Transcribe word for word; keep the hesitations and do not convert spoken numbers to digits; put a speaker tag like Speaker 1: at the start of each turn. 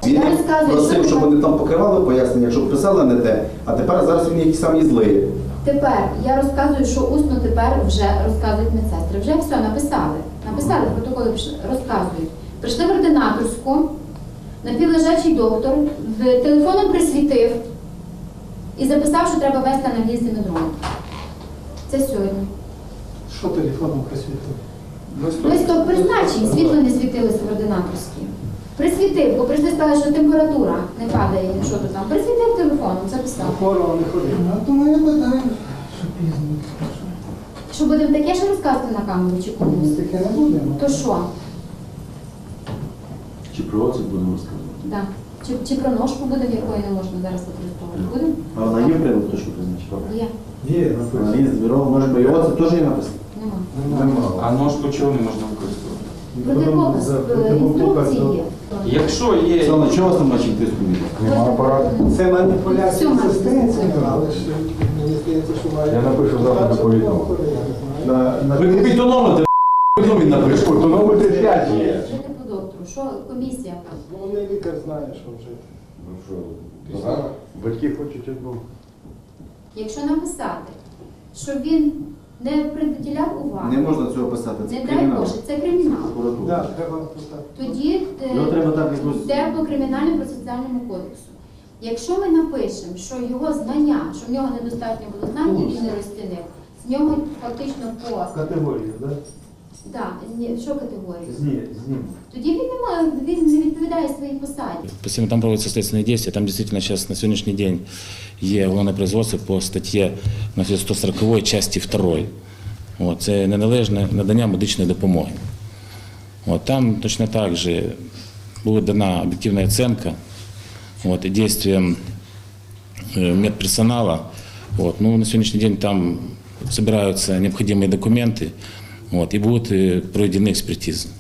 Speaker 1: Він
Speaker 2: Я розказую,
Speaker 1: просив,
Speaker 2: що
Speaker 1: щоб
Speaker 2: тепер-
Speaker 1: вони там покривали пояснення, якщо писали не те, а тепер зараз він якийсь самі злий.
Speaker 2: Тепер я розказую, що усно тепер вже розказують медсестри. Вже все написали. Написали, протоколи пішли, розказують. Прийшли в ординаторську, напівлежачий доктор, в телефоном присвітив і записав, що треба вести англійський дрон. Це сьогодні.
Speaker 3: Що телефоном присвітив?
Speaker 2: Листок призначень, світло не світилося в ординаторській. Присвітив, бо прийшли сказали, що температура не падає, що то там. Присвітив телефоном, записав.
Speaker 3: Хворого не ходив. А то мене питають, що пізно.
Speaker 2: Що будемо таке ще розказувати на камеру чи
Speaker 3: Ми
Speaker 2: комусь?
Speaker 3: таке не будемо.
Speaker 2: То що?
Speaker 1: Чи про оце будемо розказувати?
Speaker 2: Да. Чи, чи про ножку буде, в якої не можна зараз використовувати? Будемо?
Speaker 1: А вона є привод, то що призначила?
Speaker 2: Є.
Speaker 3: Є,
Speaker 1: Вона є збірова, може би, і оце теж є написано?
Speaker 2: Нема.
Speaker 4: А ножку чого не можна використовувати?
Speaker 2: Протипоказ, е, інструкції є.
Speaker 4: Якщо є...
Speaker 1: Це на чого там наче тиску від?
Speaker 5: Нема апарату.
Speaker 3: Це маніпуляція
Speaker 2: Всьому
Speaker 3: системою,
Speaker 2: це.
Speaker 3: але ж мені здається, що має...
Speaker 5: Я напишу завтра доповідного.
Speaker 3: На, на...
Speaker 1: Ви купіть тонометр, він напише.
Speaker 5: Тонометр п'ять є.
Speaker 2: Жити по доктору. Що комісія там?
Speaker 3: Ну, не лікар знає, що вже.
Speaker 5: Ну що, зараз батьки хочуть одну.
Speaker 2: Якщо написати, що він не приділяв уваги,
Speaker 1: Не можна цього писати, це
Speaker 2: не дай
Speaker 1: кримінал.
Speaker 2: Боже, це кримінал.
Speaker 1: Прокуратура.
Speaker 3: Так, треба писати.
Speaker 2: Тоді е,
Speaker 1: Його треба так якось-
Speaker 2: йде по кримінальному процесуальному кодексу. Якщо ми напишемо, що його знання, що в нього недостатньо було знань і він не розцінив, з нього фактично по
Speaker 3: Категорію, так?
Speaker 2: да, зні- що категорію?
Speaker 3: Зні, зніму.
Speaker 2: Тоді він не має, він не відповідає своїй посаді.
Speaker 6: Постійно там проводятся следственные действия. Там действительно сейчас на сегодняшний день є уголовне производство по статті значить, сто сороковій часті другої. От, це неналежне надання медичної допомоги. От, там точно так же була дана об'єктивна оцінка от, і дійствам е, медперсонала. От, ну, на сьогоднішній день там збираються необхідні документи от, і будуть е, проведені експертизи.